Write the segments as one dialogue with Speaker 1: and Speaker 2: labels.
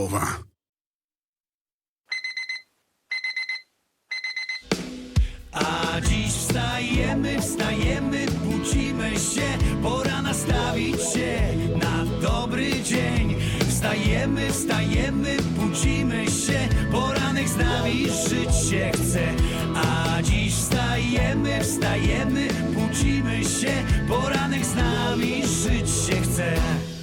Speaker 1: A dziś wstajemy, budzimy się, pora nastawić się na dobry dzień. Wstajemy, budzimy się, poranek z nami żyć się chce. A dziś wstajemy, budzimy się, poranek z nami żyć się chce.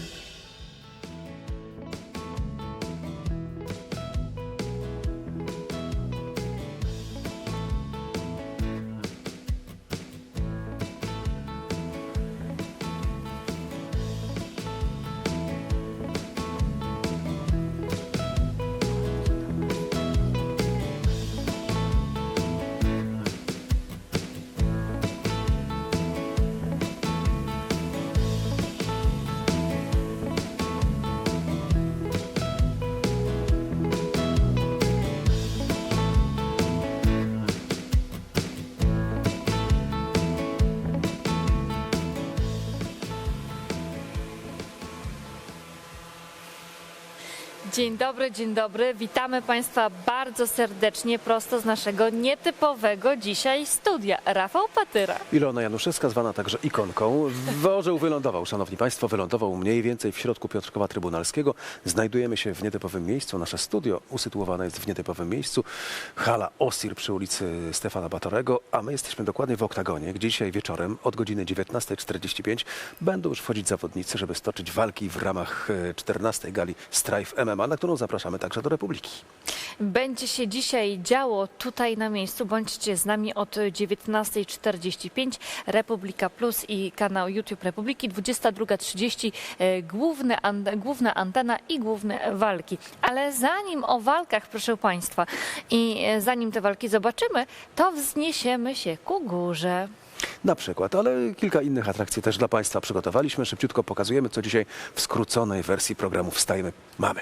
Speaker 2: Dzień dobry, witamy Państwa bardzo serdecznie prosto z naszego nietypowego dzisiaj studia. Rafał Patyra.
Speaker 3: Ilona Januszewska, zwana także Ikonką. Orzeł wylądował, szanowni państwo, wylądował mniej więcej w środku Piotrkowa Trybunalskiego. Znajdujemy się w nietypowym miejscu, nasze studio usytuowane jest w nietypowym miejscu. Hala OSIR przy ulicy Stefana Batorego, a my jesteśmy dokładnie w oktagonie, gdzie dzisiaj wieczorem od godziny 19:45 będą już wchodzić zawodnicy, żeby stoczyć walki w ramach 14. gali Strife MMA, na którą zapraszamy także do Republiki.
Speaker 2: Będzie się dzisiaj działo tutaj na miejscu. Bądźcie z nami od 19:45. Republika Plus i kanał YouTube Republiki. 22:30 główna antena i główne walki. Ale zanim o walkach, proszę Państwa, i zanim te walki zobaczymy, to wzniesiemy się ku górze.
Speaker 3: Na przykład, ale kilka innych atrakcji też dla Państwa przygotowaliśmy. Szybciutko pokazujemy, co dzisiaj w skróconej wersji programu Wstajemy mamy.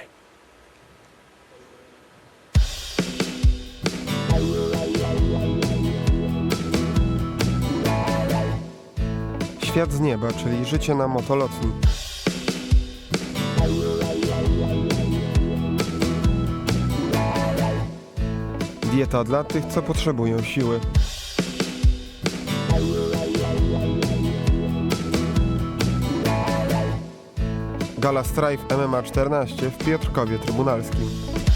Speaker 4: Świat z nieba, czyli życie na motolotni. Dieta dla tych, co potrzebują siły. Gala Strife MMA 14 w Piotrkowie Trybunalskim.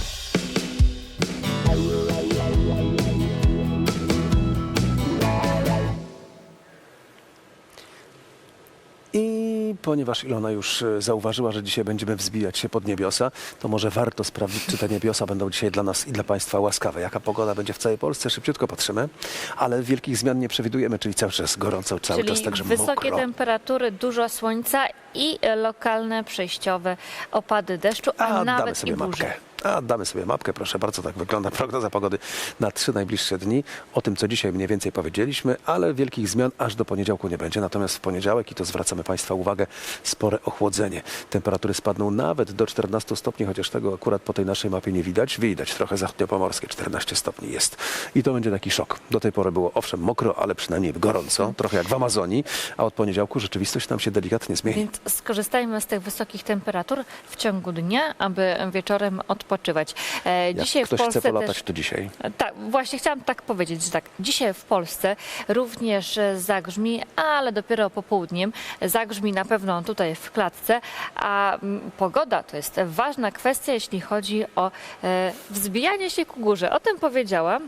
Speaker 3: I ponieważ Ilona już zauważyła, że dzisiaj będziemy wzbijać się pod niebiosa, to może warto sprawdzić, czy te niebiosa będą dzisiaj dla nas i dla Państwa łaskawe. Jaka pogoda będzie w całej Polsce? Szybciutko patrzymy, ale wielkich zmian nie przewidujemy, czyli cały czas gorąco, cały czas także
Speaker 2: wysokie
Speaker 3: mokro.
Speaker 2: temperatury, dużo słońca i lokalne przejściowe opady deszczu, a nawet i burze.
Speaker 3: Damy sobie mapkę, proszę bardzo, tak wygląda prognoza pogody na 3 najbliższe dni. O tym, co dzisiaj mniej więcej powiedzieliśmy, ale wielkich zmian aż do poniedziałku nie będzie. Natomiast w poniedziałek, i to zwracamy Państwa uwagę, spore ochłodzenie. Temperatury spadną nawet do 14 stopni, chociaż tego akurat po tej naszej mapie nie widać. Widać trochę zachodniopomorskie, 14 stopni jest. I to będzie taki szok. Do tej pory było owszem mokro, ale przynajmniej gorąco, trochę jak w Amazonii, a od poniedziałku rzeczywistość nam się delikatnie zmieni.
Speaker 2: Więc skorzystajmy z tych wysokich temperatur w ciągu dnia, aby wieczorem odpoczywać. Dzisiaj
Speaker 3: Jak ktoś
Speaker 2: w Polsce
Speaker 3: chce polatać,
Speaker 2: też,
Speaker 3: to dzisiaj.
Speaker 2: Tak, właśnie chciałam tak powiedzieć, że tak, dzisiaj w Polsce również zagrzmi, ale dopiero popołudniem. Zagrzmi na pewno tutaj w klatce, a pogoda to jest ważna kwestia, jeśli chodzi o wzbijanie się ku górze. O tym powiedziałam.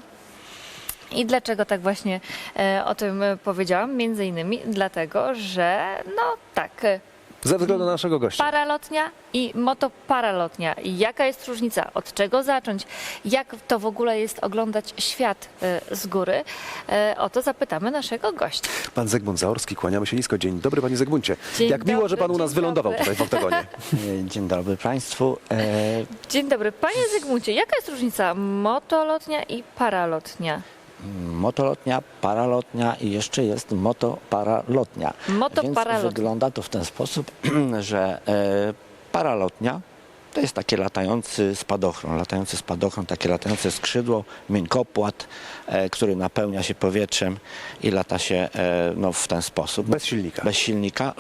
Speaker 2: I dlaczego tak właśnie o tym powiedziałam? Między innymi dlatego, że no tak,
Speaker 3: Ze względu na naszego gościa.
Speaker 2: paralotnia i motoparalotnia. I jaka jest różnica? Od czego zacząć? Jak to w ogóle jest oglądać świat z góry? O to zapytamy naszego gościa.
Speaker 3: Pan Zygmunt Zaorski, kłaniamy się nisko. Dzień dobry, panie Zygmuncie.
Speaker 2: Dzień
Speaker 3: Jak miło,
Speaker 2: dobry,
Speaker 3: że pan u nas
Speaker 2: dzień
Speaker 3: wylądował
Speaker 2: dobry.
Speaker 3: tutaj w oktagonie.
Speaker 5: Dzień dobry Państwu.
Speaker 2: Dzień dobry. Panie Zygmuncie, jaka jest różnica motolotnia i paralotnia?
Speaker 5: Motolotnia, paralotnia i jeszcze jest motoparalotnia.
Speaker 2: Motoparalotnia.
Speaker 5: Więc wygląda to w ten sposób, że paralotnia to jest taki latający spadochron, takie latające skrzydło, miękopłat, który napełnia się powietrzem i lata się no, w ten sposób.
Speaker 3: Bez silnika.
Speaker 5: Bez silnika lub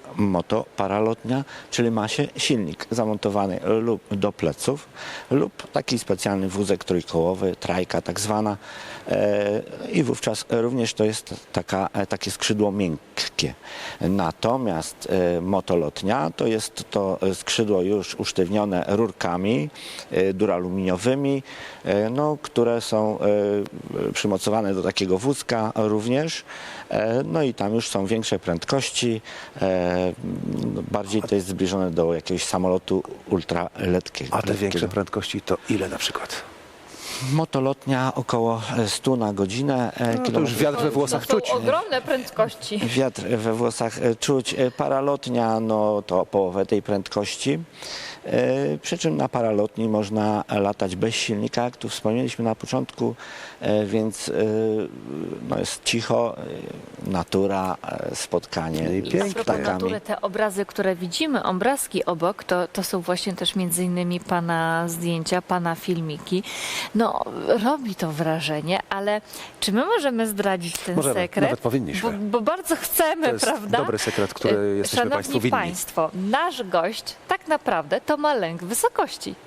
Speaker 5: motoparalotnia, czyli ma się silnik zamontowany lub do pleców lub taki specjalny wózek trójkołowy, trajka tak zwana i wówczas również to jest takie skrzydło miękkie. Natomiast motolotnia to jest to skrzydło już usztywnione rurkami duraluminiowymi, no, które są przymocowane do takiego wózka również. No i tam już są większe prędkości, bardziej to jest zbliżone do jakiegoś samolotu ultraletkiego.
Speaker 3: A te większe prędkości to ile na przykład?
Speaker 5: Motolotnia około 100 na godzinę.
Speaker 3: No, to już wiatr we włosach
Speaker 2: To
Speaker 3: czuć.
Speaker 2: są ogromne prędkości.
Speaker 5: Wiatr we włosach czuć. Paralotnia no to połowę tej prędkości. Przy czym na paralotni można latać bez silnika, jak tu wspomnieliśmy na początku, więc no jest cicho, natura, spotkanie
Speaker 3: I pięknie.
Speaker 5: z
Speaker 2: A propos
Speaker 5: ptakami.
Speaker 2: natury, te obrazy, które widzimy, obrazki obok, to są właśnie też między innymi pana zdjęcia, pana filmiki. No, robi to wrażenie, ale czy my możemy zdradzić ten
Speaker 3: Możemy,
Speaker 2: sekret?
Speaker 3: nawet powinniśmy.
Speaker 2: Bo bardzo chcemy,
Speaker 3: To jest
Speaker 2: prawda?
Speaker 3: dobry sekret, który jesteśmy
Speaker 2: Szanowni
Speaker 3: Państwu winni.
Speaker 2: Państwo, nasz gość tak naprawdę to ma lęk wysokości.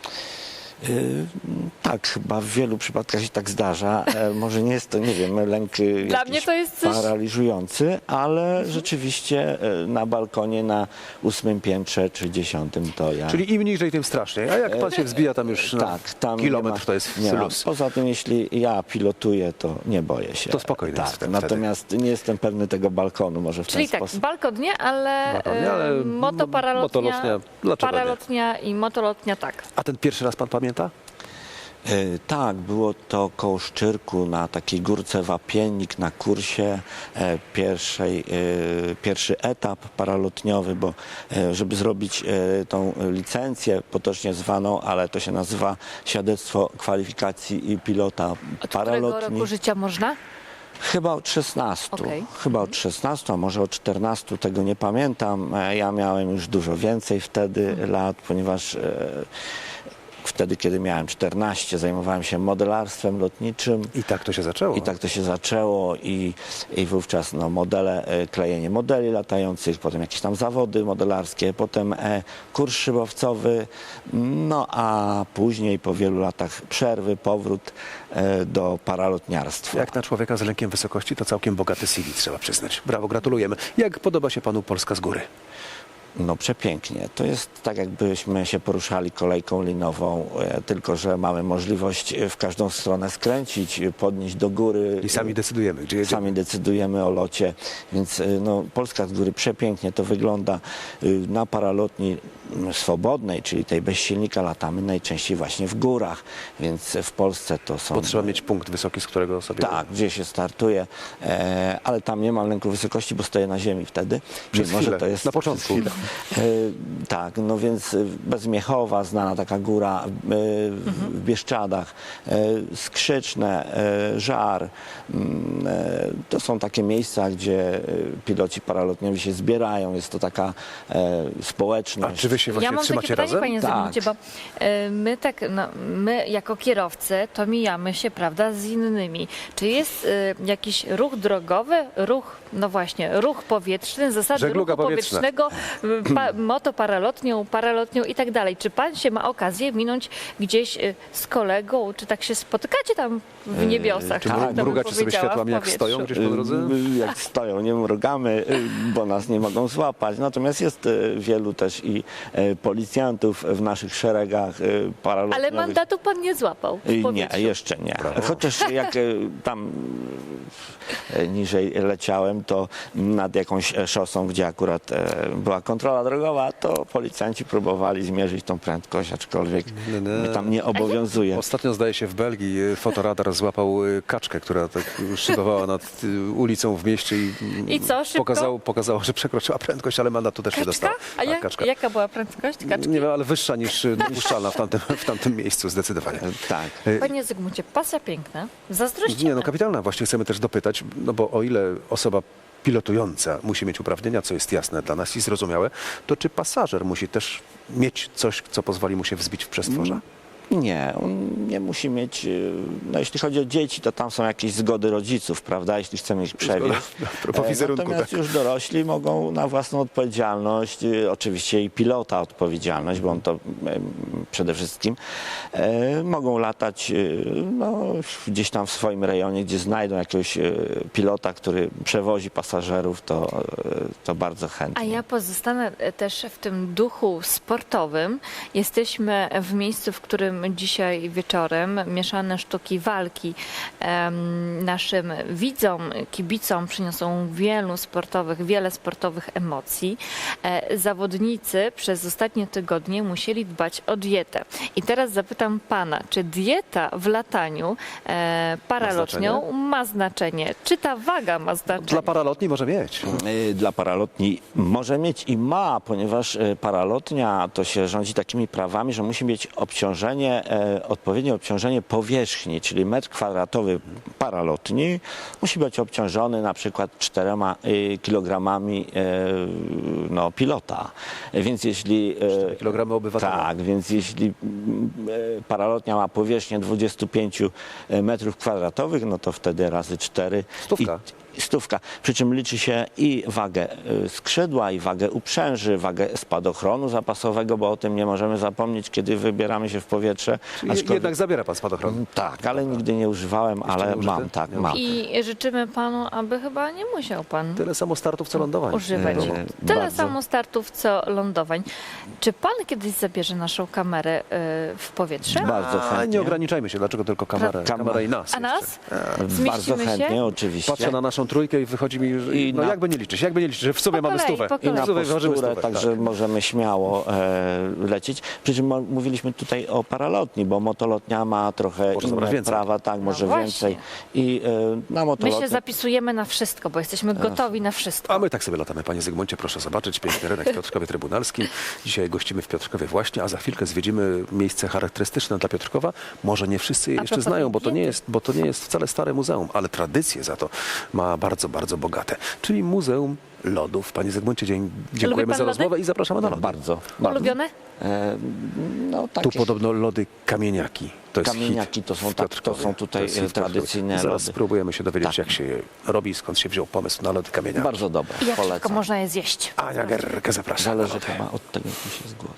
Speaker 5: Tak, chyba w wielu przypadkach się tak zdarza. Może nie jest to, nie wiem, lęk
Speaker 2: Dla
Speaker 5: jakiś
Speaker 2: mnie to jest coś...
Speaker 5: paraliżujący, ale rzeczywiście na balkonie na 8. piętrze czy 10. to ja...
Speaker 3: Czyli im niżej, tym straszniej. A jak pan się wzbija tam już na
Speaker 5: Tak, tam
Speaker 3: kilometr,
Speaker 5: nie ma,
Speaker 3: to jest
Speaker 5: nie ma.
Speaker 3: luz.
Speaker 5: Poza tym, jeśli ja pilotuję, to nie boję się.
Speaker 3: To spokojnie
Speaker 5: tak,
Speaker 3: jest wtedy.
Speaker 5: natomiast nie jestem pewny tego balkonu, może w
Speaker 2: Czyli
Speaker 5: ten
Speaker 2: tak,
Speaker 5: sposób.
Speaker 2: balkon nie, ale,
Speaker 3: Balkon nie, ale motolotnia, dlaczego nie?
Speaker 2: paralotnia i motolotnia tak.
Speaker 3: A ten pierwszy raz pan pamięta?
Speaker 5: Tak, było to koło Szczyrku na takiej górce Wapiennik na kursie pierwszy etap paralotniowy, bo żeby zrobić tą licencję potocznie zwaną, ale to się nazywa świadectwo kwalifikacji pilota
Speaker 2: Od którego
Speaker 5: paralotni.
Speaker 2: roku życia można?
Speaker 5: Chyba od 16.
Speaker 2: Okej.
Speaker 5: Chyba od 16, a może od 14, tego nie pamiętam. Ja miałem już dużo więcej wtedy lat, ponieważ wtedy, kiedy miałem 14, zajmowałem się modelarstwem lotniczym.
Speaker 3: I tak to się zaczęło.
Speaker 5: I tak to się zaczęło i wówczas no, modele, klejenie modeli latających, potem jakieś tam zawody modelarskie, potem kurs szybowcowy, no a później po wielu latach przerwy powrót do paralotniarstwa.
Speaker 3: Jak na człowieka z lękiem wysokości, to całkiem bogaty CV, trzeba przyznać. Brawo, gratulujemy. Jak podoba się panu Polska z góry?
Speaker 5: No przepięknie. To jest tak, jakbyśmy się poruszali kolejką linową, tylko że mamy możliwość w każdą stronę skręcić, podnieść do góry.
Speaker 3: I sami decydujemy, gdzie jedziemy.
Speaker 5: Sami decydujemy o locie, więc no, Polska z góry przepięknie to wygląda. Na paralotni swobodnej, czyli tej bez silnika, latamy najczęściej właśnie w górach, więc w Polsce to są...
Speaker 3: Bo trzeba mieć punkt wysoki, z którego sobie...
Speaker 5: Tak, gdzie się startuje, ale tam nie mam lęku wysokości, bo stoję na ziemi wtedy.
Speaker 3: Przez
Speaker 5: Mimo, że
Speaker 3: chwilę,
Speaker 5: to jest
Speaker 3: na początku.
Speaker 5: Tak, no więc Bezmiechowa, znana taka góra w Bieszczadach, Skrzyczne, Żar. To są takie miejsca, gdzie piloci paralotniowi się zbierają. Jest to taka
Speaker 3: A
Speaker 5: społeczność.
Speaker 3: czy wy się właśnie
Speaker 2: Ja mam takie
Speaker 3: trzymacie
Speaker 2: pytanie,
Speaker 3: razem?
Speaker 2: panie
Speaker 5: Tak.
Speaker 2: Zygmuncie, bo my jako kierowcy to mijamy się, prawda, z innymi. Czy jest jakiś ruch drogowy, no właśnie, ruch powietrzny, zasady
Speaker 3: Żegluga
Speaker 2: ruchu
Speaker 3: powietrzna.
Speaker 2: powietrznego, motoparalotnią, paralotnią i tak dalej. Czy pan się ma okazję minąć gdzieś z kolegą, czy tak się spotykacie tam w niebiosach?
Speaker 3: Czy
Speaker 2: tak to bym
Speaker 3: mrugacie sobie
Speaker 2: powiedziała,
Speaker 3: światłami,
Speaker 2: w
Speaker 3: jak
Speaker 2: powietrzu?
Speaker 3: stoją gdzieś po drodze?
Speaker 5: Jak stoją, nie mrugamy, bo nas nie mogą złapać. Natomiast jest wielu też i policjantów w naszych szeregach paralotniowych.
Speaker 2: Ale mandatu pan nie złapał w
Speaker 5: Nie,
Speaker 2: powietrzu.
Speaker 5: jeszcze nie. Chociaż jak tam niżej leciałem, to nad jakąś szosą, gdzie akurat była kontrola drogowa, to policjanci próbowali zmierzyć tą prędkość, aczkolwiek mnie tam nie obowiązuje.
Speaker 3: Ostatnio, zdaje się, w Belgii fotoradar złapał kaczkę, która tak szybowała nad ulicą w mieście
Speaker 2: I co, szybko?
Speaker 3: pokazało, że przekroczyła prędkość, ale mandatu też nie
Speaker 2: Kaczka?
Speaker 3: dostała.
Speaker 2: A
Speaker 3: Tak, kaczka.
Speaker 2: jaka była prędkość kaczki?
Speaker 3: Nie wiem, ale wyższa niż dopuszczalna w tamtym miejscu, zdecydowanie.
Speaker 5: Tak.
Speaker 2: Panie Zygmuncie, pasja piękna. Zazdrościmy.
Speaker 3: Nie, no kapitalna. Właśnie chcemy też dopytać, no bo o ile osoba pilotująca musi mieć uprawnienia, co jest jasne dla nas i zrozumiałe, to czy pasażer musi też mieć coś, co pozwoli mu się wzbić w przestworza?
Speaker 5: Nie, on nie musi mieć, no jeśli chodzi o dzieci, to tam są jakieś zgody rodziców, prawda, jeśli chcemy ich przewieźć.
Speaker 3: propos wizerunku,
Speaker 5: Natomiast
Speaker 3: tak.
Speaker 5: już dorośli mogą na własną odpowiedzialność, oczywiście i pilota odpowiedzialność, bo on to przede wszystkim, mogą latać no, gdzieś tam w swoim rejonie, gdzie znajdą jakiegoś pilota, który przewozi pasażerów, to bardzo chętnie.
Speaker 2: A ja pozostanę też w tym duchu sportowym. Jesteśmy w miejscu, w którym dzisiaj wieczorem mieszane sztuki walki naszym widzom, kibicom przyniosą wiele sportowych emocji. Zawodnicy przez ostatnie tygodnie musieli dbać o dietę. I teraz zapytam pana, czy dieta w lataniu paralotnią ma znaczenie? Czy ta waga ma znaczenie?
Speaker 3: Dla paralotni może mieć.
Speaker 5: Dla paralotni może mieć i ma, ponieważ paralotnia to się rządzi takimi prawami, że musi mieć odpowiednie obciążenie powierzchni, czyli metr kwadratowy paralotni musi być obciążony na przykład 4 kilogramami pilota. Więc jeśli
Speaker 3: 4 kilogramy obywatela.
Speaker 5: tak, więc jeśli paralotnia ma powierzchnię 25 metrów kwadratowych, no to wtedy razy 4.
Speaker 3: Stówka.
Speaker 5: Stówka. Przy czym liczy się i wagę skrzydła, i wagę uprzęży, wagę spadochronu zapasowego, bo o tym nie możemy zapomnieć, kiedy wybieramy się w powietrze.
Speaker 3: Czyli jednak zabiera pan spadochron.
Speaker 5: Tak, ale nigdy nie używałem, ale
Speaker 3: nie użyty?
Speaker 5: mam, tak,
Speaker 3: Nie
Speaker 5: mam.
Speaker 2: I życzymy panu, aby chyba nie musiał pan
Speaker 3: Tyle samo startów, co lądowań.
Speaker 2: używać.
Speaker 5: E,
Speaker 2: Tyle
Speaker 5: bardzo.
Speaker 2: samo startów, co lądowań. Czy pan kiedyś zabierze naszą kamerę w powietrze?
Speaker 5: Bardzo
Speaker 3: A, nie
Speaker 5: chętnie.
Speaker 3: ograniczajmy się, dlaczego tylko kamera i nas.
Speaker 2: A nas?
Speaker 5: Bardzo
Speaker 2: Zmieścimy
Speaker 5: chętnie,
Speaker 2: się?
Speaker 5: oczywiście.
Speaker 3: Patrzę na naszą trójkę i wychodzi mi, że
Speaker 5: I
Speaker 3: no
Speaker 5: na-
Speaker 3: jakby nie liczyć, że w sumie
Speaker 2: Po
Speaker 3: mamy
Speaker 2: kolei,
Speaker 3: stówę.
Speaker 2: po
Speaker 5: I
Speaker 2: kolei.
Speaker 5: na
Speaker 3: W sumie ważymy
Speaker 5: posturę,
Speaker 3: stówę,
Speaker 5: także
Speaker 3: tak.
Speaker 5: możemy śmiało lecieć. Przy czym mówiliśmy tutaj o paralotni, bo motolotnia ma trochę
Speaker 3: Może zabrać
Speaker 5: inne
Speaker 3: więcej.
Speaker 5: prawa, tak, może
Speaker 2: właśnie.
Speaker 5: więcej. I na
Speaker 2: My
Speaker 5: motolotni...
Speaker 2: się zapisujemy na wszystko, bo jesteśmy gotowi na wszystko.
Speaker 3: A my tak sobie latamy, panie Zygmuncie, proszę zobaczyć, piękny rynek w Piotrkowie Trybunalskim. Dzisiaj gościmy w Piotrkowie właśnie, a za chwilkę zwiedzimy miejsce charakterystyczne dla Piotrkowa. Może nie wszyscy je
Speaker 2: A
Speaker 3: jeszcze
Speaker 2: propos
Speaker 3: znają, bo
Speaker 2: diety.
Speaker 3: to nie jest wcale stare muzeum, ale tradycje za to ma bardzo, bardzo bogate. Czyli Muzeum Lodów. Panie Zygmuncie, dziękujemy
Speaker 2: pan
Speaker 3: za
Speaker 2: lody?
Speaker 3: rozmowę i zapraszamy na lody.
Speaker 5: Bardzo.
Speaker 2: Ulubione?
Speaker 5: No,
Speaker 3: Tu
Speaker 5: takie
Speaker 3: podobno lody kamieniaki. To jest
Speaker 5: Kamieniaki
Speaker 3: hit
Speaker 5: to są
Speaker 3: w
Speaker 5: tak-
Speaker 3: Piotrkowie.
Speaker 5: to są tutaj,
Speaker 3: jest hit w Piotrkowie.
Speaker 5: tradycyjne
Speaker 3: Zaraz
Speaker 5: lody.
Speaker 3: spróbujemy się dowiedzieć,
Speaker 5: Tak.
Speaker 3: jak się je robi, skąd się wziął pomysł na lody kamieniaki.
Speaker 5: bardzo dobre.
Speaker 2: I jak szybko
Speaker 5: Polecam.
Speaker 2: można je zjeść?
Speaker 3: Ania Gerkę zapraszam. na
Speaker 5: Zależy
Speaker 3: lody.
Speaker 5: chyba od tego, jak się zgłodzi.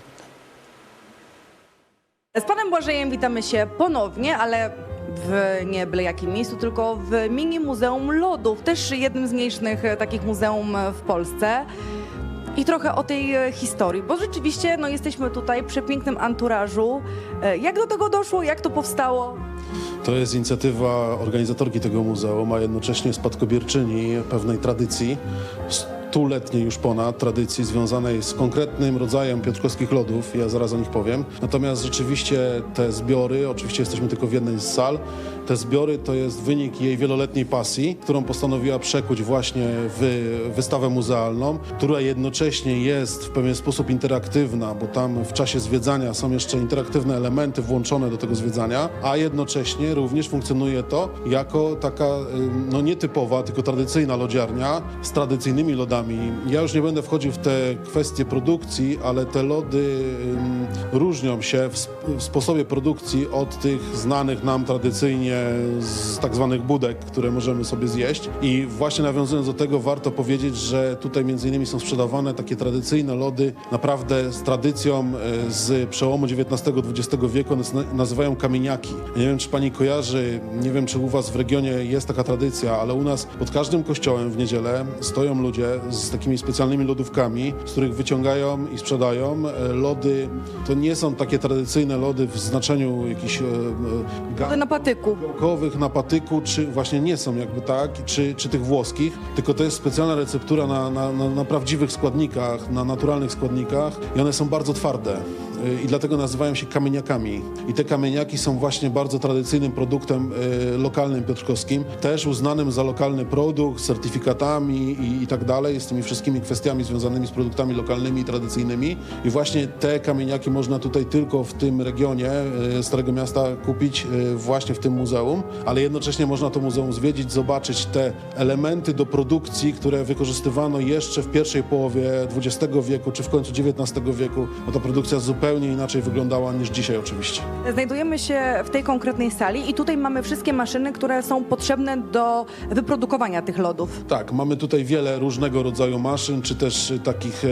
Speaker 6: Z panem Błażejem witamy się ponownie, ale w nie byle jakim miejscu, tylko w mini Muzeum Lodów, też jednym z mniejszych takich muzeum w Polsce. I trochę o tej historii, bo rzeczywiście jesteśmy tutaj przy pięknym anturażu. Jak do tego doszło? Jak to powstało?
Speaker 7: To jest inicjatywa organizatorki tego muzeum, a jednocześnie spadkobierczyni pewnej tradycji, stuletniej już ponad tradycji związanej z konkretnym rodzajem piotrkowskich lodów, ja zaraz o nich powiem. Natomiast rzeczywiście te zbiory, oczywiście jesteśmy tylko w jednej z sal, te zbiory to jest wynik jej wieloletniej pasji, którą postanowiła przekuć właśnie w wystawę muzealną, która jednocześnie jest w pewien sposób interaktywna, bo tam w czasie zwiedzania są jeszcze interaktywne elementy włączone do tego zwiedzania, a jednocześnie również funkcjonuje to jako taka nietypowa, tylko tradycyjna lodziarnia z tradycyjnymi lodami. Ja już nie będę wchodził w te kwestie produkcji, ale te lody różnią się w sposobie produkcji od tych znanych nam tradycyjnie z tak zwanych budek, które możemy sobie zjeść. I właśnie nawiązując do tego, warto powiedzieć, że tutaj między innymi są sprzedawane takie tradycyjne lody, naprawdę z tradycją z przełomu XIX-XX wieku, one nazywają kamieniaki. Ja nie wiem, czy pani kojarzy, nie wiem, czy u was w regionie jest taka tradycja, ale u nas pod każdym kościołem w niedzielę stoją ludzie z takimi specjalnymi lodówkami, z których wyciągają i sprzedają lody. To nie są takie tradycyjne lody w znaczeniu jakichś
Speaker 6: Na patyku.
Speaker 7: gałkowych, na patyku, czy właśnie nie są jakby tak, czy tych włoskich, tylko to jest specjalna receptura na prawdziwych składnikach, na naturalnych składnikach i one są bardzo twarde. I dlatego nazywają się kamieniakami. I te kamieniaki są właśnie bardzo tradycyjnym produktem lokalnym piotrkowskim, też uznanym za lokalny produkt, z certyfikatami i tak dalej, z tymi wszystkimi kwestiami związanymi z produktami lokalnymi i tradycyjnymi. I właśnie te kamieniaki można tutaj tylko w tym regionie Starego Miasta kupić właśnie w tym muzeum, ale jednocześnie można to muzeum zwiedzić, zobaczyć te elementy do produkcji, które wykorzystywano jeszcze w pierwszej połowie XX wieku, czy w końcu XIX wieku, bo ta produkcja zupełnie zupełnie inaczej wyglądała niż dzisiaj oczywiście.
Speaker 6: Znajdujemy się w tej konkretnej sali i tutaj mamy wszystkie maszyny, które są potrzebne do wyprodukowania tych lodów.
Speaker 7: Tak, mamy tutaj wiele różnego rodzaju maszyn, czy też takich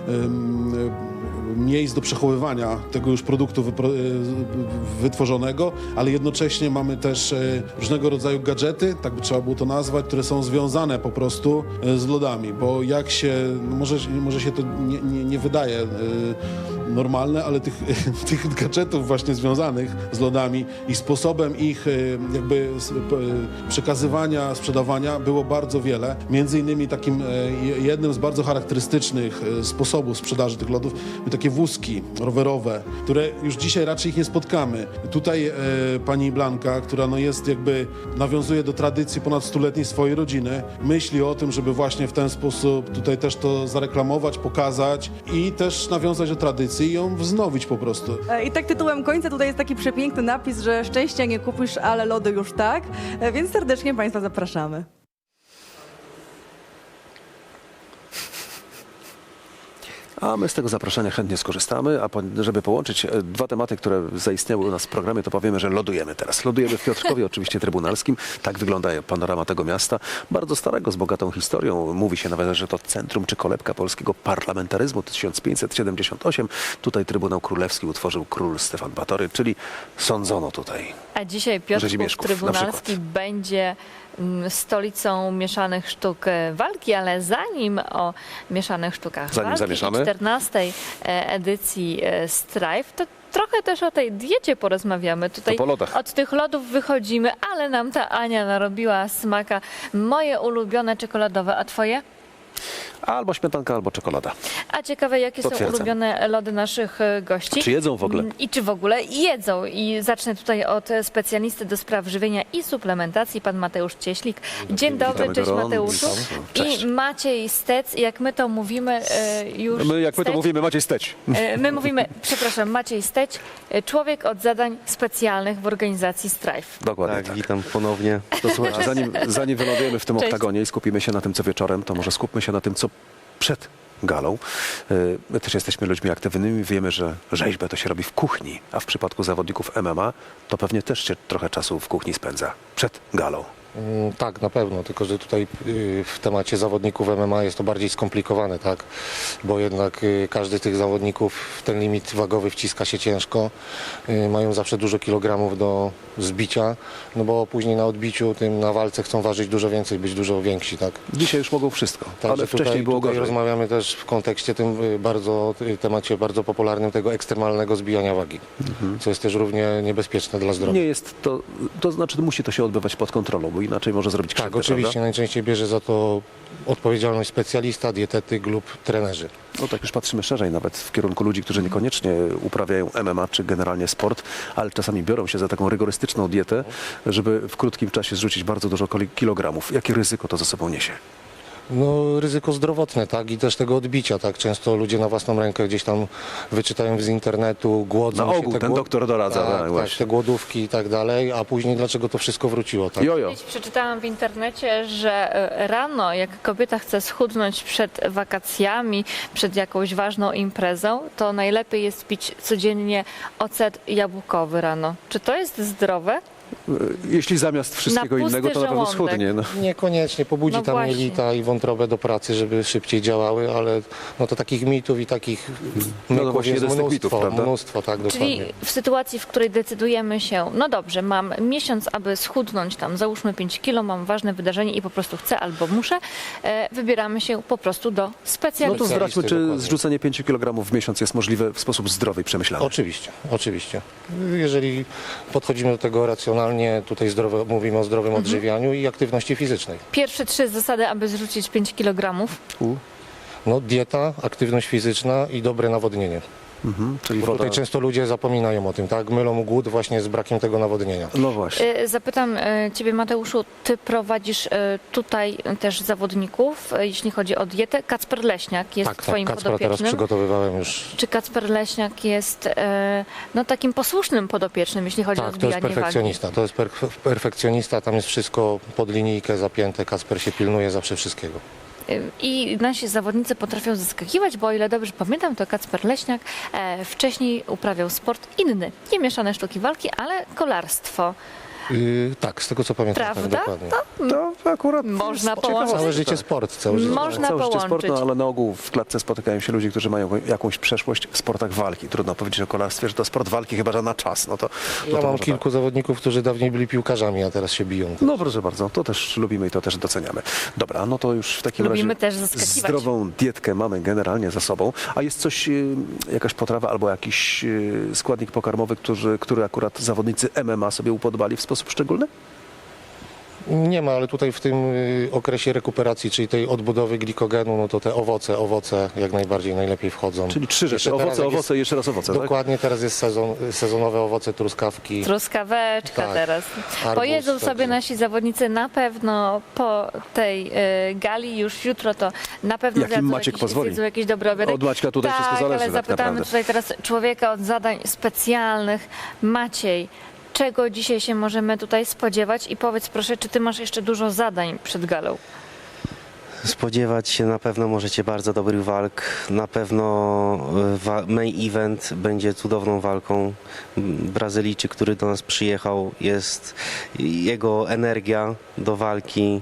Speaker 7: miejsc do przechowywania tego już produktu wytworzonego, ale jednocześnie mamy też różnego rodzaju gadżety, tak by trzeba było to nazwać, które są związane po prostu z lodami, bo jak się, może się to nie wydaje normalne, ale tych gadżetów właśnie związanych z lodami i sposobem ich jakby przekazywania, sprzedawania było bardzo wiele. Między innymi takim jednym z bardzo charakterystycznych sposobów sprzedaży tych lodów były takie wózki rowerowe, które już dzisiaj raczej ich nie spotkamy. Tutaj pani Blanka, która no jest jakby, nawiązuje do tradycji ponad 100-letniej swojej rodziny, myśli o tym, żeby właśnie w ten sposób tutaj też to zareklamować, pokazać i też nawiązać do tradycji i ją wznowić po prostu.
Speaker 6: I tak tytułem końca tutaj jest taki przepiękny napis, że szczęścia nie kupisz, ale lody już tak, więc serdecznie Państwa zapraszamy.
Speaker 3: A my z tego zaproszenia chętnie skorzystamy, a żeby połączyć dwa tematy, które zaistniały u nas w programie, to powiemy, że lodujemy teraz. Lodujemy w Piotrkowie, oczywiście trybunalskim. Tak wygląda panorama tego miasta. Bardzo starego, z bogatą historią. Mówi się nawet, że to centrum czy kolebka polskiego parlamentaryzmu 1578. Tutaj Trybunał Królewski utworzył król Stefan Batory, czyli sądzono tutaj.
Speaker 2: A dzisiaj Piotrków
Speaker 3: Rzezimieszków, na
Speaker 2: Trybunalski
Speaker 3: przykład.
Speaker 2: będzie stolicą mieszanych sztuk walki, ale zanim o mieszanych sztukach
Speaker 3: Zanim
Speaker 2: walki
Speaker 3: zamieszamy.
Speaker 2: i 14. edycji Strive, to trochę też o tej diecie porozmawiamy. Tutaj
Speaker 3: po lodach.
Speaker 2: od tych lodów wychodzimy, ale nam ta Ania narobiła smaka. Moje ulubione czekoladowe, a twoje?
Speaker 3: Albo śmietanka, albo czekolada.
Speaker 2: A ciekawe, jakie są
Speaker 3: Potwierdzam.
Speaker 2: ulubione lody naszych gości?
Speaker 3: Czy jedzą w ogóle?
Speaker 2: I czy w ogóle jedzą? I zacznę tutaj od specjalisty do spraw żywienia i suplementacji, pan Mateusz Cieślik. Dzień dobry,
Speaker 3: Witamy
Speaker 2: cześć
Speaker 3: gorąco.
Speaker 2: Mateuszu.
Speaker 3: Cześć.
Speaker 2: I Maciej Stec, jak my to mówimy już...
Speaker 3: My, jak my to
Speaker 2: Stec,
Speaker 3: mówimy, Maciej Steć.
Speaker 2: My mówimy, przepraszam, Maciej Steć, człowiek od zadań specjalnych w organizacji Strive.
Speaker 3: Dokładnie
Speaker 8: Tak,
Speaker 3: tak.
Speaker 8: witam ponownie.
Speaker 3: To słuchajcie, zanim wylądujemy w tym
Speaker 2: Cześć.
Speaker 3: oktagonie i skupimy się na tym, co wieczorem, to może skupmy się na tym, co przed galą. My też jesteśmy ludźmi aktywnymi, wiemy, że rzeźbę to się robi w kuchni, a w przypadku zawodników MMA to pewnie też się trochę czasu w kuchni spędza przed galą.
Speaker 9: Tak, na pewno, tylko że tutaj w temacie zawodników MMA jest to bardziej skomplikowane, tak? Bo jednak każdy z tych zawodników w ten limit wagowy wciska się ciężko, mają zawsze dużo kilogramów do zbicia, no bo później na odbiciu, tym na walce chcą ważyć dużo więcej, być dużo więksi, tak?
Speaker 3: Dzisiaj już mogą wszystko,
Speaker 9: Także
Speaker 3: ale wcześniej było
Speaker 9: tutaj
Speaker 3: gorzej.
Speaker 9: rozmawiamy też w kontekście tym temacie bardzo popularnym tego ekstremalnego zbijania wagi, co jest też równie niebezpieczne dla zdrowia.
Speaker 3: Nie jest to znaczy musi to się odbywać pod kontrolą, bo inaczej może zrobić krzywdę,
Speaker 9: Tak, oczywiście,
Speaker 3: prawda?
Speaker 9: najczęściej bierze za to odpowiedzialność specjalista, dietetyk lub trenerzy.
Speaker 3: No tak już patrzymy szerzej nawet w kierunku ludzi, którzy niekoniecznie uprawiają MMA czy generalnie sport, ale czasami biorą się za taką rygorystyczną dietę, żeby w krótkim czasie zrzucić bardzo dużo kilogramów. Jakie ryzyko to ze sobą niesie?
Speaker 9: No, ryzyko zdrowotne, tak, i też tego odbicia, tak, często ludzie na własną rękę gdzieś tam wyczytają z internetu, głodzą
Speaker 3: Na
Speaker 9: się.
Speaker 3: ogół ten doktor doradza,
Speaker 9: tak,
Speaker 3: tak,
Speaker 9: tak,
Speaker 3: właśnie.
Speaker 9: te głodówki i tak dalej, a później dlaczego to wszystko wróciło, tak?
Speaker 3: Jojo.
Speaker 2: Kiedyś przeczytałam w internecie, że rano, jak kobieta chce schudnąć przed wakacjami, przed jakąś ważną imprezą, to najlepiej jest pić codziennie ocet jabłkowy rano. Czy to jest zdrowe?
Speaker 3: Jeśli zamiast wszystkiego
Speaker 2: Na pusty
Speaker 3: innego, to na pewno
Speaker 2: żołądek.
Speaker 3: schudnie. No.
Speaker 9: Niekoniecznie, pobudzi
Speaker 2: No
Speaker 9: tam
Speaker 2: właśnie.
Speaker 9: jelita i wątrobę do pracy, żeby szybciej działały, ale no to takich mitów i takich
Speaker 3: No to
Speaker 9: myków
Speaker 3: właśnie
Speaker 9: jest
Speaker 3: jeden z tych mitów, prawda?
Speaker 9: mnóstwo, tak, dokładnie.
Speaker 2: Czyli w sytuacji, w której decydujemy się, no dobrze, mam miesiąc, aby schudnąć tam, załóżmy 5 kilo, mam ważne wydarzenie i po prostu chcę albo muszę, wybieramy się po prostu do
Speaker 3: No
Speaker 2: specjalisty.
Speaker 3: to zdradźmy, czy
Speaker 9: dokładnie.
Speaker 3: zrzucenie 5 kg w miesiąc jest możliwe w sposób zdrowy i przemyślany.
Speaker 9: Oczywiście, oczywiście. Jeżeli podchodzimy do tego racjonalnie, tutaj mówimy o zdrowym odżywianiu i aktywności fizycznej.
Speaker 2: Pierwsze 3 zasady, aby zrzucić 5 kg.
Speaker 9: No, dieta, aktywność fizyczna i dobre nawodnienie.
Speaker 3: Czyli
Speaker 9: Bo
Speaker 3: woda.
Speaker 9: tutaj często ludzie zapominają o tym, tak? Mylą głód właśnie z brakiem tego nawodnienia.
Speaker 3: No właśnie.
Speaker 2: Zapytam Ciebie, Mateuszu, Ty prowadzisz tutaj też zawodników, jeśli chodzi o dietę. Kacper Leśniak jest
Speaker 9: Tak,
Speaker 2: Twoim
Speaker 9: Kacpra teraz
Speaker 2: podopiecznym.
Speaker 9: przygotowywałem już.
Speaker 2: Czy Kacper Leśniak jest no, takim posłusznym podopiecznym, jeśli chodzi o
Speaker 9: Tak, to jest
Speaker 2: zbijanie wagi?
Speaker 9: perfekcjonista. To jest perfekcjonista, tam jest wszystko pod linijkę zapięte. Kacper się pilnuje zawsze wszystkiego.
Speaker 2: I nasi zawodnicy potrafią zaskakiwać, bo o ile dobrze pamiętam, to Kacper Leśniak wcześniej uprawiał sport inny. Nie mieszane sztuki walki, ale kolarstwo.
Speaker 9: Tak, z tego co pamiętam, tak,
Speaker 2: Prawda?
Speaker 9: dokładnie.
Speaker 3: To akurat
Speaker 2: Można
Speaker 3: ciekawe.
Speaker 2: połączyć.
Speaker 9: Całe życie sport, całe życie.
Speaker 2: Można
Speaker 3: Całe życie sport,
Speaker 2: połączyć.
Speaker 3: no, ale na ogół w klatce spotykają się ludzie, którzy mają jakąś przeszłość w sportach walki. Trudno powiedzieć o kolarstwie, że to sport walki, chyba że na czas. No to
Speaker 9: Ja mam
Speaker 3: może
Speaker 9: kilku zawodników, którzy dawniej byli piłkarzami, a teraz się biją.
Speaker 3: No proszę bardzo, to też lubimy i to też doceniamy. Dobra, no to już w takim
Speaker 2: Lubimy
Speaker 3: razie
Speaker 2: też zaskakiwać.
Speaker 3: zdrową dietkę mamy generalnie za sobą. A jest coś, jakaś potrawa albo jakiś składnik pokarmowy, który akurat zawodnicy MMA sobie upodobali w sposób szczególny?
Speaker 9: Nie ma, ale tutaj w tym okresie rekuperacji, czyli tej odbudowy glikogenu, no to te owoce jak najbardziej najlepiej wchodzą.
Speaker 3: Czyli trzy rzeczy,
Speaker 9: Jeszcze teraz
Speaker 3: owoce,
Speaker 9: jak
Speaker 3: owoce i jeszcze raz owoce, tak?
Speaker 9: Dokładnie, teraz jest sezonowe owoce, truskawki.
Speaker 2: Truskaweczka
Speaker 9: Tak.
Speaker 2: teraz.
Speaker 9: Arbuz,
Speaker 2: Pojedzą sobie
Speaker 9: także.
Speaker 2: nasi zawodnicy na pewno po tej gali, już jutro to na pewno
Speaker 3: Jak im Maciek pozwoli.
Speaker 2: zjedzą jakiś dobry obiadek.
Speaker 3: Od Maćka tutaj
Speaker 2: tak,
Speaker 3: wszystko zależy
Speaker 2: ale
Speaker 3: tak
Speaker 2: zapytamy
Speaker 3: naprawdę.
Speaker 2: tutaj teraz człowieka od zadań specjalnych. Maciej, czego dzisiaj się możemy tutaj spodziewać? I powiedz proszę, czy ty masz jeszcze dużo zadań przed galą?
Speaker 8: Spodziewać się na pewno możecie bardzo dobrych walk. Na pewno main event będzie cudowną walką. Brazylijczyk, który do nas przyjechał, jest jego energia do walki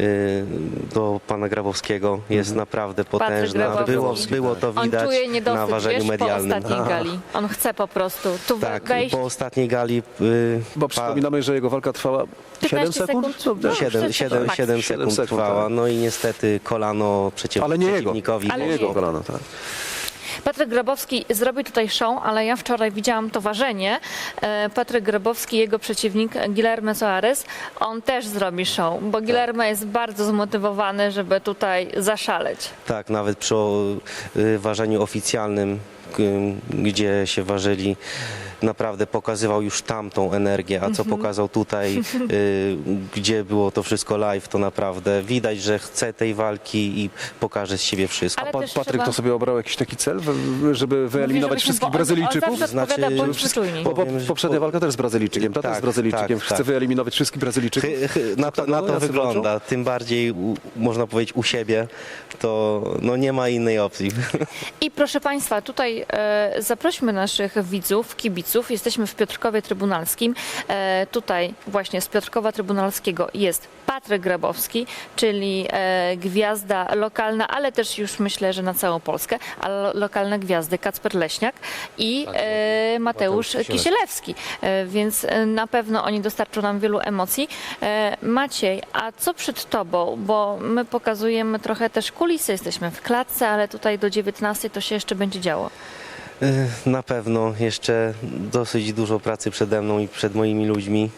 Speaker 8: do pana Grabowskiego jest naprawdę potężna.
Speaker 2: Grabowski.
Speaker 8: Było to
Speaker 2: On
Speaker 8: widać
Speaker 2: czuje
Speaker 8: na
Speaker 2: niedosyt,
Speaker 8: ważeniu
Speaker 2: wiesz, po
Speaker 8: medialnym.
Speaker 2: ostatniej gali. On chce po prostu tu
Speaker 8: Tak,
Speaker 2: wejść.
Speaker 8: po ostatniej gali
Speaker 3: Bo przypominamy, że jego walka trwała 7
Speaker 2: 15
Speaker 3: sekund?
Speaker 2: sekund.
Speaker 3: No,
Speaker 2: No,
Speaker 8: 7
Speaker 2: max.
Speaker 8: 7
Speaker 3: 7
Speaker 8: sekund
Speaker 3: sekund,
Speaker 8: trwała.
Speaker 3: tak.
Speaker 8: No i niestety kolano
Speaker 3: Ale nie jego,
Speaker 8: przeciwnikowi.
Speaker 2: Ale
Speaker 3: nie
Speaker 2: nie
Speaker 3: jego kolano, tak.
Speaker 2: Patryk Grabowski zrobił tutaj show, ale ja wczoraj widziałam to ważenie. Patryk Grabowski, jego przeciwnik Guilherme Soares, on też zrobi show, bo Guilherme jest bardzo zmotywowany, żeby tutaj zaszaleć.
Speaker 8: Tak, nawet przy ważeniu oficjalnym, gdzie się ważyli, naprawdę pokazywał już tamtą energię, a co pokazał tutaj, gdzie było to wszystko live, to naprawdę widać, że chce tej walki i pokaże z siebie wszystko.
Speaker 2: Ale też
Speaker 3: Patryk
Speaker 2: trzeba-
Speaker 3: to sobie obrał jakiś taki cel, żeby wyeliminować
Speaker 2: Mówię,
Speaker 3: wszystkich
Speaker 2: żebyśmy-
Speaker 3: Brazylijczyków?
Speaker 2: On zawsze
Speaker 8: Znaczy,
Speaker 2: odpowiada, bądźmy czujni.
Speaker 3: Poprzednia walka też z Brazylijczykiem, ta też z
Speaker 8: Tak,
Speaker 3: Brazylijczykiem.
Speaker 8: tak,
Speaker 3: Chce
Speaker 8: tak.
Speaker 3: wyeliminować wszystkich Brazylijczyków.
Speaker 8: Na to
Speaker 3: jacy
Speaker 8: wygląda, tym bardziej można powiedzieć u siebie, to no nie ma innej opcji.
Speaker 2: I proszę Państwa, tutaj zaprośmy naszych widzów, kibiców. Jesteśmy w Piotrkowie Trybunalskim. Tutaj właśnie z Piotrkowa Trybunalskiego jest Patryk Grabowski, czyli gwiazda lokalna, ale też już myślę, że na całą Polskę, ale lokalne gwiazdy Kacper Leśniak i Mateusz Kisielewski. Więc na pewno oni dostarczą nam wielu emocji. Maciej, a co przed Tobą? Bo my pokazujemy trochę też kulisy, jesteśmy w klatce, ale tutaj do 19 to się jeszcze będzie działo.
Speaker 8: Na pewno jeszcze dosyć dużo pracy przede mną i przed moimi ludźmi.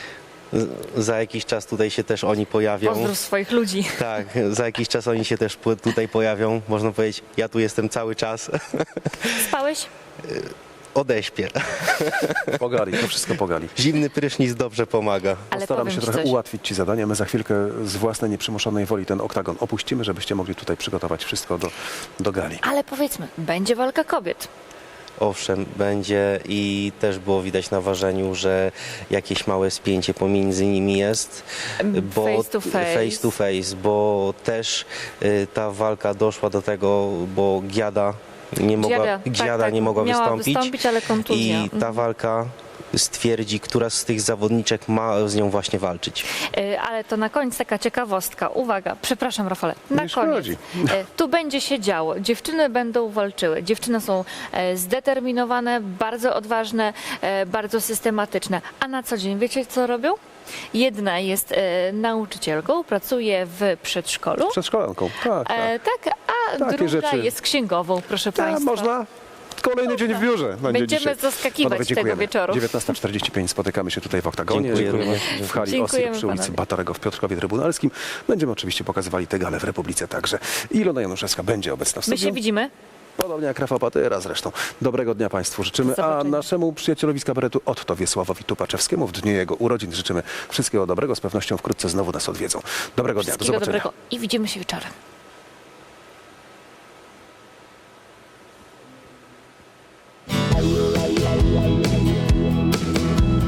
Speaker 8: Za jakiś czas tutaj się też oni pojawią.
Speaker 2: Pozdrów swoich ludzi.
Speaker 8: Tak, za jakiś czas oni się też tutaj pojawią. Można powiedzieć, ja tu jestem cały czas.
Speaker 2: Spałeś?
Speaker 8: Odeśpię.
Speaker 3: Pogali, to wszystko pogali.
Speaker 8: Zimny prysznic dobrze pomaga.
Speaker 2: Ale
Speaker 3: Postaramy
Speaker 2: powiem
Speaker 3: się
Speaker 2: ci
Speaker 3: trochę
Speaker 2: coś.
Speaker 3: ułatwić Ci zadania. My za chwilkę z własnej nieprzymuszonej woli ten oktagon opuścimy, żebyście mogli tutaj przygotować wszystko do gali.
Speaker 2: Ale powiedzmy, będzie walka kobiet.
Speaker 8: Owszem, będzie i też było widać na ważeniu, że jakieś małe spięcie pomiędzy nimi jest. Bo
Speaker 2: Face to face.
Speaker 8: face to face, bo też ta walka doszła do tego, bo Giada nie mogła
Speaker 2: miała
Speaker 8: wystąpić
Speaker 2: ale kontuzja.
Speaker 8: i ta walka stwierdzi, która z tych zawodniczek ma z nią właśnie walczyć.
Speaker 2: Ale to na koniec taka ciekawostka. Uwaga, przepraszam Rafale, na
Speaker 3: Nie
Speaker 2: koniec.
Speaker 3: szkodzi.
Speaker 2: Tu będzie się działo. Dziewczyny będą walczyły. Dziewczyny są zdeterminowane, bardzo odważne, bardzo systematyczne. A na co dzień wiecie co robią? Jedna jest nauczycielką, pracuje w przedszkolu.
Speaker 3: Przedszkolanką, tak, tak.
Speaker 2: Tak, a
Speaker 3: Takie
Speaker 2: druga
Speaker 3: rzeczy.
Speaker 2: jest księgową, proszę
Speaker 3: Tak,
Speaker 2: Państwa.
Speaker 3: można. Kolejny dzień w biurze będzie
Speaker 2: Będziemy
Speaker 3: dzisiaj.
Speaker 2: zaskakiwać
Speaker 3: Panowie,
Speaker 2: tego
Speaker 3: dziękujemy.
Speaker 2: wieczoru.
Speaker 3: 19:45 spotykamy się tutaj w oktagonie.
Speaker 8: Dziękujemy.
Speaker 3: W hali
Speaker 2: Dziękujemy,
Speaker 3: Osir przy ulicy
Speaker 2: panowie.
Speaker 3: Batarego w Piotrkowie Trybunalskim. Będziemy oczywiście pokazywali te gale w Republice także. I Ilona Januszewska będzie obecna w
Speaker 2: My
Speaker 3: studiu.
Speaker 2: się widzimy.
Speaker 3: Podobnie jak Rafał Patyra zresztą. Dobrego dnia Państwu życzymy,
Speaker 2: Do
Speaker 3: a
Speaker 2: zobaczenia.
Speaker 3: naszemu przyjacielowi z kabaretu Otto Wiesławowi Tupaczewskiemu w dniu jego urodzin życzymy wszystkiego dobrego. Z pewnością wkrótce znowu nas odwiedzą. Dobrego dnia, do
Speaker 2: Wszystkiego
Speaker 3: zobaczenia.
Speaker 2: dobrego i widzimy się wieczorem.